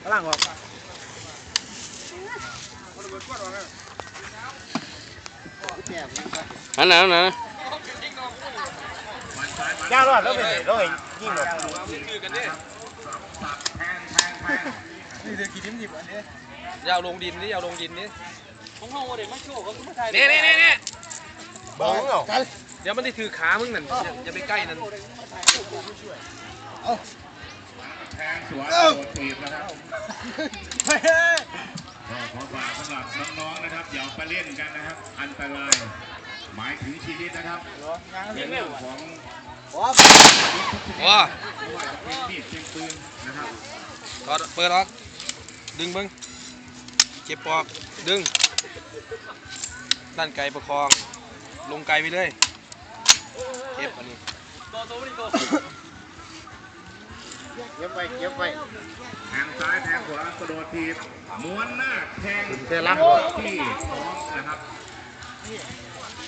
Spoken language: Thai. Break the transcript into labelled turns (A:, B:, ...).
A: ล่างออก
B: อันไหนอันไหน
A: ยากรอดแล้วไปแล้วยิงหรอกนี่เดี๋ยวกี่ดิ้มหยิบอันนี้
C: ยาวลงดินนี่ยาวลงดินนี่ของห้องเด็กมาโชว์เขาไม่ไทยนี่
A: บ้องเหรอ
C: เดี๋ยวมันได้ถือขามึงนั่นอย่าไปใกล้นั่น
D: แทงสวนโดดถีบนะครับก็ขอฝากสำหรับน้องๆนะครับอย่าไปเล่นกันนะครับอันตรายหมายถึงชีวิตนะครับเป็นเรื่องของ
C: ว้า
D: เป็นมีดเป็นปืนนะครับ
C: เปิดออกดึงมึงเก็บปอกดึงด้านไกลประคองลงไกลไปเลยเก็บอันนี้
A: เก็บไว้
D: แทงซ้ายแทงขวากระโดดถีบม้วนหน้าแทงที่ท้องนะครับ